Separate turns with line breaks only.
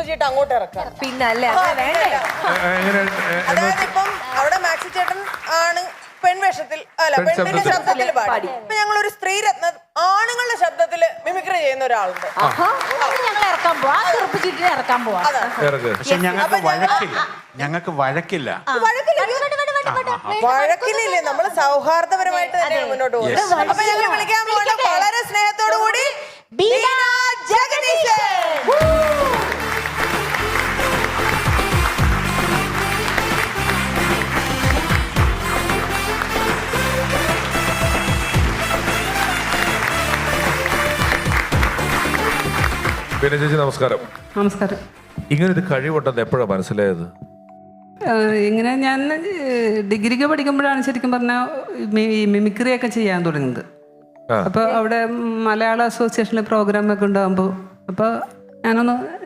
ചീട്ട് അങ്ങോട്ട് ഇറക്കാം.
പിന്നല്ലേ വേണ്ടേ?
അതായത് ഇപ്പം അവിടെ മാക്സി ചേട്ടൻ ആണ് പെൺവേഷത്തിൽ അല്ല പെണ്ണിന്റെ ശബ്ദത്തിൽ പാടി. ഇപ്പൊ ഞങ്ങളൊരു സ്ത്രീരത്ന ആണുങ്ങളുടെ ശബ്ദത്തില് മിമിക്രി ചെയ്യുന്ന ഒരാളുണ്ട്.
ഞങ്ങൾ ഇറക്കാൻ പോവാ, ചെറുപ്പിച്ചിട്ട് ഇറക്കാൻ പോവാ.
പക്ഷെ ഞങ്ങൾക്ക് വഴക്കില്ല.
വഴക്കിലില്ലേ, നമ്മള് സൗഹാർദ്ദപരമായിട്ട് തന്നെയാണ് മുന്നോട്ട് പോകുന്നത്. അപ്പൊ ഞങ്ങൾ വിളിക്കാൻ പോകുന്ന വളരെ സ്നേഹത്തോടു കൂടി ബീന ജഗദീശൻ.
ബീന ചേച്ചി നമസ്കാരം.
നമസ്കാരം.
ഇങ്ങനൊരു കഴിവുണ്ടെന്ന് എപ്പോഴാണ് മനസ്സിലായത്?
ഇങ്ങനെ ഞാൻ ഡിഗ്രിക്ക് പഠിക്കുമ്പോഴാണ് ശരിക്കും പറഞ്ഞാൽ മിമിക്രി ഒക്കെ ചെയ്യാൻ തുടങ്ങുന്നത്. അപ്പോൾ അവിടെ മലയാള അസോസിയേഷനിലെ പ്രോഗ്രാമൊക്കെ ഉണ്ടാകുമ്പോൾ അപ്പോൾ ഞാനൊന്ന്